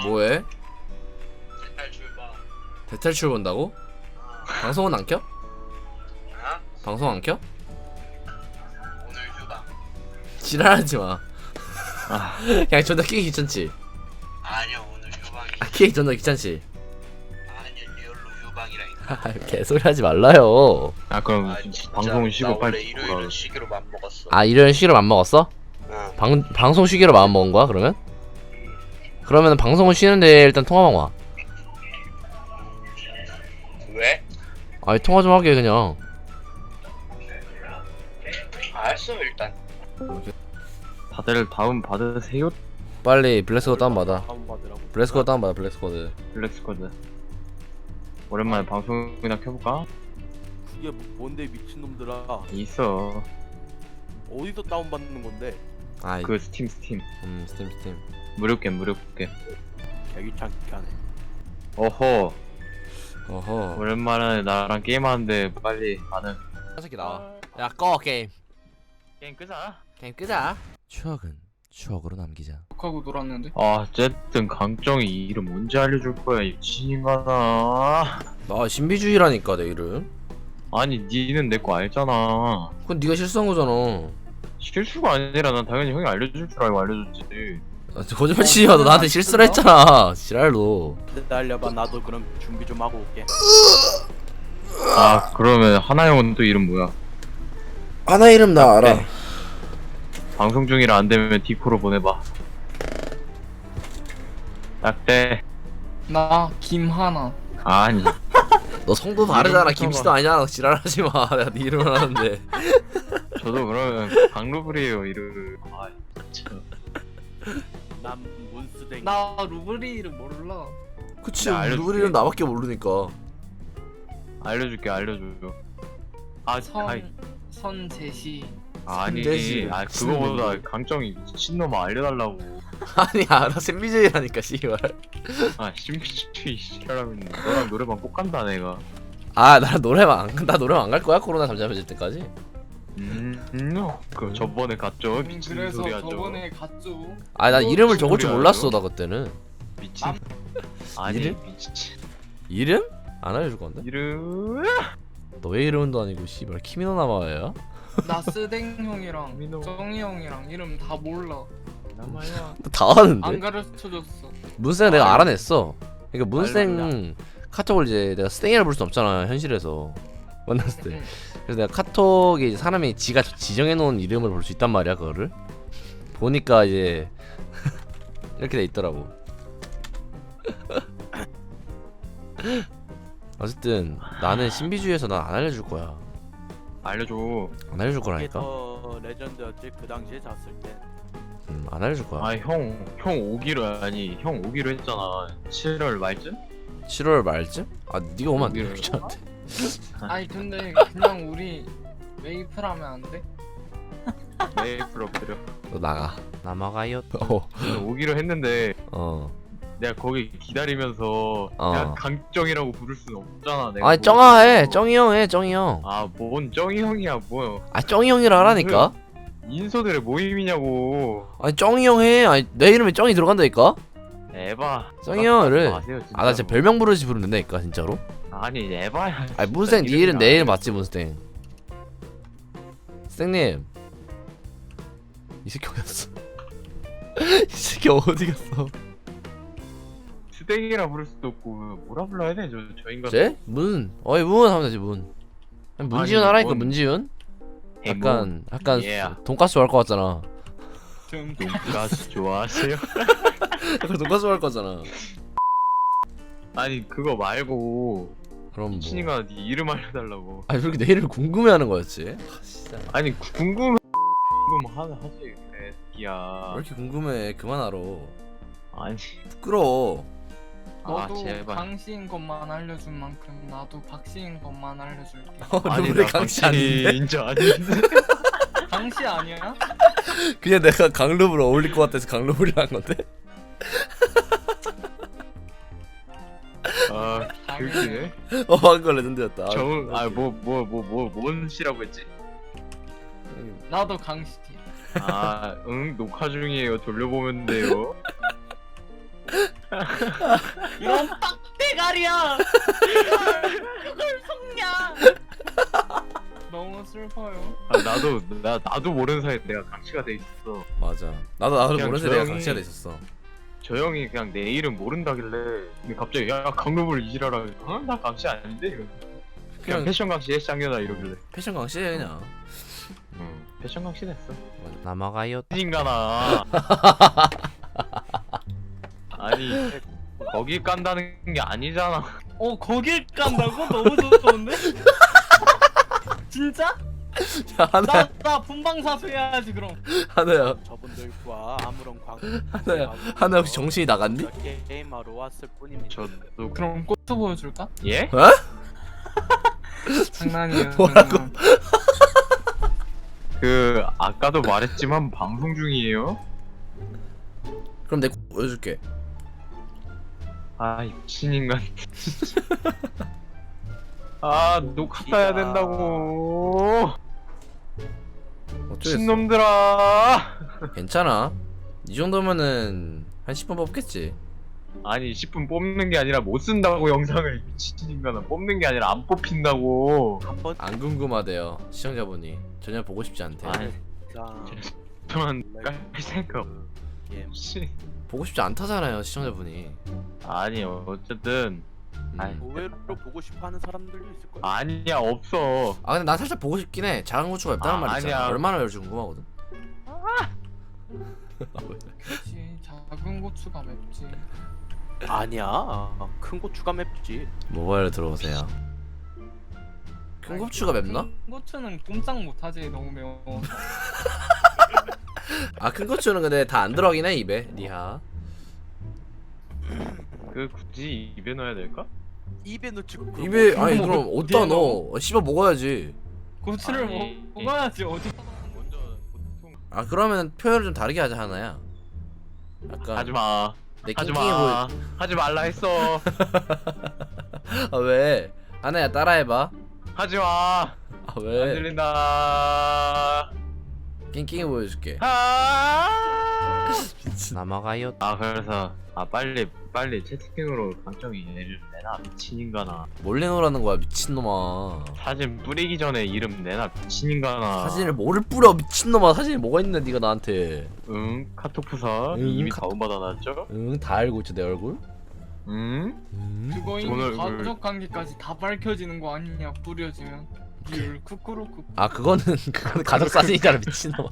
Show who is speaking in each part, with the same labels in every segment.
Speaker 1: 뭐해?
Speaker 2: 탈출방.
Speaker 1: 대탈출 본다고? 방송은 안 켜?
Speaker 2: 어?
Speaker 1: 방송 안 켜?
Speaker 2: 오늘 휴방.
Speaker 1: 지랄하지 마. 그냥 존나 끼기 귀찮지?
Speaker 2: 아니요 오늘 휴방이.
Speaker 1: 끼기 존나 귀찮지?
Speaker 2: 아니요 리얼로 휴방이라니까.
Speaker 1: 개소리 하지 말라요.
Speaker 3: 아 그럼
Speaker 2: 아, 진짜.
Speaker 3: 방송 쉬고
Speaker 2: 나 원래
Speaker 3: 빨리
Speaker 2: 일요일은 쉬기로 맘 먹었어.
Speaker 1: 아 일요일 쉬기로 맘 먹었어?
Speaker 2: 응.
Speaker 1: 방송 쉬기로 마음 먹은 거야 그러면? 그러면 방송은 쉬는데 일단 통화만 와.
Speaker 2: 왜?
Speaker 1: 아니 통화 좀 하게 그냥.
Speaker 2: 알았어 일단.
Speaker 3: 다들 다운 받으세요.
Speaker 1: 빨리 블랙스코드 다운받아.
Speaker 3: 다운받으라고.
Speaker 1: 블랙스코드 다운받아 블랙스코드.
Speaker 3: 블랙스쿼드. 오랜만에 방송이나 켜볼까?
Speaker 4: 그게 뭔데 미친놈들아.
Speaker 3: 있어.
Speaker 4: 어디서 다운받는 건데?
Speaker 1: 아이
Speaker 3: 그 스팀
Speaker 1: 스팀.
Speaker 3: 무료 게임.
Speaker 4: 개귀찮게 하네.
Speaker 3: 어허.
Speaker 1: 어허.
Speaker 3: 오랜만에 나랑 게임하는데 빨리 나는
Speaker 1: 새끼 나와. 야 꺼 게임.
Speaker 3: 게임 끄자.
Speaker 1: 게임 끄자. 추억은 추억으로 남기자.
Speaker 5: 하고 놀았는데.
Speaker 3: 어쨌든 강정이 이름 언제 알려줄 거야 이 미친인간아.
Speaker 1: 나 신비주의라니까 내 이름.
Speaker 3: 아니 니는 내 거 알잖아.
Speaker 1: 그건 네가 실수한 거잖아.
Speaker 3: 실수가 아니라 난 당연히 형이 알려줄 줄 알고 알려줬지.
Speaker 1: 아, 거짓말 치지 마. 너 나한테 실수를 했잖아. 지랄로.
Speaker 4: 기다려봐. 나도 그럼 준비 좀 하고 올게.
Speaker 3: 아 그러면 하나형은 또 이름 뭐야?
Speaker 1: 하나 이름 나 알아.
Speaker 3: 네. 방송 중이라 안 되면 디코로 보내봐. 딱대.
Speaker 5: 나 김하나.
Speaker 3: 아니.
Speaker 1: 너 성도 다르잖아.
Speaker 3: 이름부터가-
Speaker 1: 김씨도 아니야. 지랄하지 마. 내가 네 이름을 하는데.
Speaker 3: 저도 그러면 강루블이에요 이름. 아 참.
Speaker 4: 난 문스댕.
Speaker 5: 나 루브리를 몰라.
Speaker 1: 그치.
Speaker 3: 내가 알려줄게.
Speaker 1: 누구 이름 나밖에 모르니까.
Speaker 3: 알려줄게 알려줘. 아
Speaker 5: 선제시.
Speaker 3: 아니.
Speaker 1: 선대시.
Speaker 3: 아 그거보다 강정이 미친놈아 알려달라고.
Speaker 1: 아니 알아. 신비주의라니까 씨발.
Speaker 3: 아 신비주의 시켜라고 했는데 너랑 노래방 꼭 간다 내가.
Speaker 1: 아 나 노래방 안 갈 거야. 코로나 잠잠해질 때까지.
Speaker 3: 그 저번에 갔죠. 미친
Speaker 5: 그래서
Speaker 3: 소리 하죠.
Speaker 5: 저번에 갔죠.
Speaker 1: 아 나 이름을 적을 줄
Speaker 3: 소리
Speaker 1: 몰랐어.
Speaker 3: 하죠?
Speaker 1: 나 그때는.
Speaker 3: 미친. 아니
Speaker 1: 이름?
Speaker 3: 미친.
Speaker 1: 이름? 안 알려줄 건데?
Speaker 3: 이름.
Speaker 1: 너의 이름도 아니고 씨발 키미노 나마야?
Speaker 5: 나 스댕 형이랑
Speaker 3: 민호.
Speaker 5: 정이 형이랑 이름 다 몰라.
Speaker 3: 남아야.
Speaker 1: 다 아는데?
Speaker 5: 안 가르쳐줬어.
Speaker 1: 문생 내가 알아냈어. 그러니까
Speaker 3: 알라.
Speaker 1: 문생 카톡을 이제 내가 스탱이라 부를 수 없잖아 현실에서 만났을 때.
Speaker 5: 응.
Speaker 1: 그래서 내가 카톡에 이제 사람이 지가 지정해놓은 이름을 볼 수 있단 말이야 그거를. 보니까 이제 이렇게 돼 있더라고. 어쨌든 나는 신비주의에서 난 안 알려줄 거야.
Speaker 3: 알려줘.
Speaker 1: 안 알려줄
Speaker 4: 이게
Speaker 1: 거라니까.
Speaker 4: 더 레전드였지 그 당시에 잤을 때.
Speaker 1: 안 알려줄 거야.
Speaker 3: 아 형 오기로 아니 형 오기로 했잖아. 7월 말쯤?
Speaker 1: 7월 말쯤? 아 네가 오면 안 돼.
Speaker 3: 오기로
Speaker 1: 귀찮은데.
Speaker 5: 아니 근데 그냥 우리 메이플 하면 안 돼?
Speaker 3: 메이플 엎드려.
Speaker 1: 너 나가. 남아가요.
Speaker 3: 오기로 했는데
Speaker 1: 어.
Speaker 3: 내가 거기 기다리면서 내가 강정이라고 부를 수는 없잖아. 내가
Speaker 1: 아니
Speaker 3: 거기
Speaker 1: 쩡아 해.
Speaker 3: 있어서.
Speaker 1: 쩡이 형 해. 쩡이 형.
Speaker 3: 아뭔 정이 형이야 뭐
Speaker 1: 아 쩡이 형이라 하라니까.
Speaker 3: 인서들의 모임이냐고.
Speaker 1: 아니 쩡이 형 해. 아니 내 이름에 쩡이 들어간다니까.
Speaker 3: 에바.
Speaker 1: 쩡이 형을.
Speaker 3: 마세요,
Speaker 1: 아 나 진짜 별명 부르지 부르면 된다니까 진짜로.
Speaker 3: 아니 에바야.
Speaker 1: 아니 문생 네 이름 내 이름 맞지 문생. 생님. 이 새끼 어디 갔어? 이 새끼 어디 갔어?
Speaker 3: 스댕이라 부를 수도 없고 뭐라 불러야 돼 저 인간.
Speaker 1: 쟤? 문. 어이 문 하면 되지 문. 아니, 문지윤
Speaker 3: 아니,
Speaker 1: 하라니까
Speaker 3: 뭔-
Speaker 1: 문지윤.
Speaker 3: 에이, 뭐,
Speaker 1: 약간
Speaker 3: Yeah.
Speaker 1: 돈가스 할 거 같잖아.
Speaker 3: 돈가스 좋아하세요?
Speaker 1: 약간 돈가스 할 거잖아.
Speaker 3: 아니 그거 말고
Speaker 1: 그럼 뭐.
Speaker 3: 미친이가 네 이름 알려달라고.
Speaker 1: 아니 왜 이렇게 내 이름을 궁금해하는 거였지? 아, 진짜.
Speaker 3: 아니 궁금하지
Speaker 1: 왜
Speaker 3: 개새끼야.
Speaker 1: 이렇게 궁금해? 그만하러.
Speaker 3: 아니
Speaker 1: 부끄러워.
Speaker 5: 너도
Speaker 3: 제발.
Speaker 5: 강씨인 것만 알려준 만큼 나도 박씨인 것만 알려줄게.
Speaker 3: 아니
Speaker 1: 누구의
Speaker 3: 나
Speaker 1: 강씨 아닌데?
Speaker 3: 진짜 아닌데.
Speaker 5: 강씨 아니야?
Speaker 1: 그냥 내가 강루블 어울릴 것 같아서 강루블이란 건데?
Speaker 3: 아 그게
Speaker 1: 방금 레전드였다.
Speaker 3: 정아뭐뭔 씨라고 했지?
Speaker 5: 나도 강씨.
Speaker 3: 녹화 중이에요. 돌려보면 돼요.
Speaker 5: 이런 빡대가리야. 그걸 속냐? 너무 슬퍼요.
Speaker 3: 아, 나도 모르는 사이에 내가 강치가 돼 있었어.
Speaker 1: 맞아. 나도
Speaker 3: 그냥
Speaker 1: 모르는 새내가
Speaker 3: 조용히-
Speaker 1: 강치가 돼 있었어.
Speaker 3: 저 형이 그냥 내 이름 모른다길래 근데 갑자기 야 강로볼 이지라라. 나 강치 아닌데 이러. 그냥
Speaker 1: 그냥
Speaker 3: 패션 강치 해장녀다 이러길래.
Speaker 1: 패션 강시해 그냥.
Speaker 3: 패션 강치 됐어.
Speaker 1: 남아가요.
Speaker 3: 인간아. 아니 거기 깐다는 게 아니잖아.
Speaker 5: 거길 깐다고? 너무 좋은데? 진짜?
Speaker 1: 야 하나야
Speaker 5: 나 분방사수 해야지 그럼.
Speaker 1: 하나야
Speaker 4: 저분들과 아무런
Speaker 1: 하나 혹시 정신이 나갔니?
Speaker 4: 게임하러 왔을 뿐입니다.
Speaker 3: 저도
Speaker 5: 그럼 꽃도 보여줄까?
Speaker 3: 예?
Speaker 5: 장난이에요.
Speaker 1: 뭐라고?
Speaker 5: 장난.
Speaker 3: 그 아까도 말했지만 방송 중이에요.
Speaker 1: 그럼 내가 보여줄게.
Speaker 3: 아, 이 미친 인간. 아, 녹화 따야 된다고.
Speaker 1: 어쩌겠어.
Speaker 3: 미친놈들아.
Speaker 1: 괜찮아. 이 정도면은 한 10분 뽑겠지.
Speaker 3: 아니, 10분 뽑는 게 아니라 못 쓴다고 영상을. 미친 인간아. 뽑는 게 아니라 안 뽑힌다고.
Speaker 4: 한번
Speaker 1: 안 궁금하대요 시청자분이. 전혀 보고 싶지 않대.
Speaker 3: 아니,
Speaker 4: 짠.
Speaker 3: 저만 깔 생각
Speaker 4: 게임.
Speaker 3: 없이.
Speaker 1: 보고 싶지 않다잖아요 시청자분이.
Speaker 3: 아니, 어쨌든. 아니,
Speaker 4: 의외로 보고 싶어하는 사람들도 있을 거야.
Speaker 3: 아니야, 없어.
Speaker 1: 아 근데 난 살짝 보고 싶긴 해. 작은 고추가 맵다는 말 있잖아.
Speaker 3: 아니야.
Speaker 1: 얼마나 맵지 궁금하거든.
Speaker 5: 그렇지. 작은 고추가 맵지.
Speaker 4: 아니야. 큰 고추가 맵지.
Speaker 1: 모바일로 들어오세요. 큰 고추가 맵나?
Speaker 5: 큰 고추는 꼼짝 못하지. 너무 매워.
Speaker 1: 아 큰 고추는 근데 다 안 들어가긴 해 입에. 리하.
Speaker 3: 그 굳이 입에 넣어야 될까?
Speaker 4: 입에 넣지.
Speaker 1: 입에 아니
Speaker 5: 먹어.
Speaker 1: 그럼 어디다 넣어? 씹어 먹어야지.
Speaker 5: 고추를
Speaker 3: 아니.
Speaker 5: 먹어야지 어디.
Speaker 3: 먼저 보통
Speaker 1: 아 그러면 표현을 좀 다르게 하자 하나야. 약간
Speaker 3: 하지마.
Speaker 1: 내 낑낑이 보여.
Speaker 3: 하지 말라 했어.
Speaker 1: 아 왜? 하나야 따라해봐.
Speaker 3: 하지마.
Speaker 1: 아
Speaker 3: 안
Speaker 1: 왜?
Speaker 3: 들린다.
Speaker 1: 낑낑이 보여줄게. 남아가요.
Speaker 3: 아 그래서 빨리 채팅으로 강정이 얘를 내놔 미친 인간아.
Speaker 1: 몰래 놀라는 거야 미친놈아.
Speaker 3: 사진 뿌리기 전에 이름 내놔 미친 인간아.
Speaker 1: 사진을 뭐를 뿌려 미친놈아. 사진이 뭐가 있는데 네가 나한테.
Speaker 3: 응 카톡 부사
Speaker 1: 응,
Speaker 3: 이미
Speaker 1: 카톡.
Speaker 3: 다운받아놨죠?
Speaker 1: 응 다 알고 있죠 내 얼굴.
Speaker 3: 응?
Speaker 5: 그거 이미
Speaker 3: 오늘
Speaker 5: 가족 관계까지 다 밝혀지는 거 아니냐 뿌려지면. 리얼 쿠쿠루쿠.
Speaker 1: 아 그거는 가족 사진이잖아 미친놈아.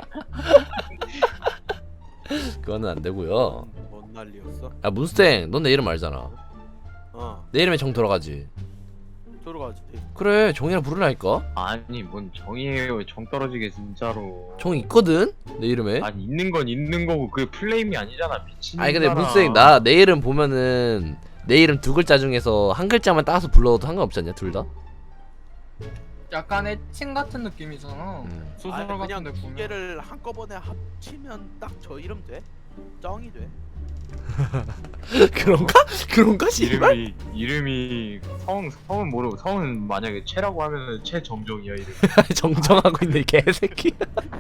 Speaker 1: 그거는 안 되고요.
Speaker 4: 뭔 난리였어?
Speaker 1: 야 문스탱 넌 내 이름 알잖아. 내 이름에 정 들어가지.
Speaker 4: 들어가지.
Speaker 1: 그래 정이라 부르라니까.
Speaker 3: 아니 뭔 정이에요 정 떨어지게 진짜로.
Speaker 1: 정 있거든 내 이름에.
Speaker 3: 아니 있는 건 있는 거고 그게 플레임이 아니잖아 미친
Speaker 1: 아니 근데
Speaker 3: 인간아.
Speaker 1: 문스탱 나 내 이름 보면은 내 이름 두 글자 중에서 한 글자만 따서 불러도 상관없지 않냐 둘 다?
Speaker 5: 약간 애칭 같은 느낌이잖아. 소설
Speaker 4: 아니, 그냥
Speaker 5: 같은데
Speaker 4: 두
Speaker 5: 보면.
Speaker 4: 개를 한꺼번에 합치면 딱 저 이름 돼. 쩡이 돼.
Speaker 1: 그런가 씨발.
Speaker 3: 이름이 성은 모르고 성은 만약에 최라고 하면은 최정정이야 이름.
Speaker 1: 정정하고 있네 이 개새끼.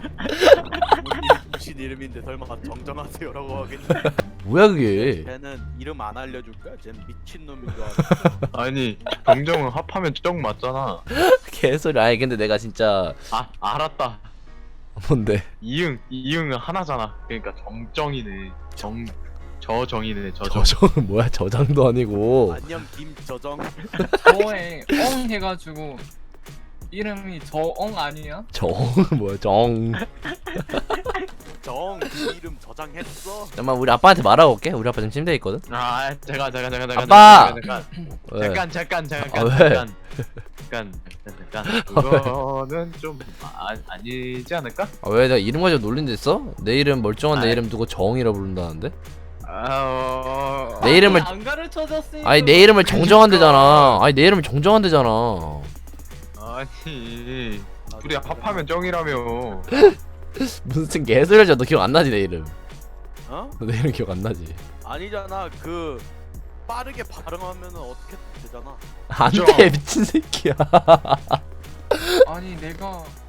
Speaker 4: 무슨 이름인데 설마 정정하세요라고 하겠니?
Speaker 1: 뭐야 그게.
Speaker 4: 쟤는 이름 안 알려줄 거야. 쟤는 미친 놈인 줄 알아.
Speaker 3: 아니 정정은 합하면 정 맞잖아.
Speaker 1: 개소리. 아니 근데 내가 진짜
Speaker 3: 아 알았다.
Speaker 1: 뭔데?
Speaker 3: 이응은 하나잖아. 그러니까 정정이네. 저정이네 저정.
Speaker 1: 저정은 뭐야 저장도 아니고.
Speaker 4: 안녕 김저정.
Speaker 5: 저에 엉 해가지고 이름이 저엉 아니야?
Speaker 1: 정 뭐야 정.
Speaker 4: 정 이름 저장했어.
Speaker 1: 잠깐만 우리 아빠한테 말하고 올게. 우리 아빠 지금 침대에 있거든.
Speaker 3: 아 잠깐
Speaker 1: 아빠! 왜?
Speaker 3: 잠깐
Speaker 1: 아, 왜?
Speaker 3: 그거는 좀 아니지 않을까?
Speaker 1: 아 왜 내가 이름 가지고 놀린 데 있어? 내 이름 멀쩡한 내
Speaker 3: 아이.
Speaker 1: 이름 두고 정이라 부른다는데?
Speaker 3: 내
Speaker 1: 내 이름을
Speaker 5: 안 가르쳐줬으니까.
Speaker 1: 아니 내 이름을 정정한대잖아. 아니 내 이름을 정정한대잖아.
Speaker 3: 아니 둘이 합하면 정이라며.
Speaker 1: 무슨 개소리야. 너 기억 안 나지 내 이름?
Speaker 4: 어?
Speaker 1: 내 이름 기억 안 나지?
Speaker 4: 아니잖아. 그 빠르게 발음하면은 어떻게 되잖아.
Speaker 1: 안돼 미친 새끼야.
Speaker 5: 아니 내가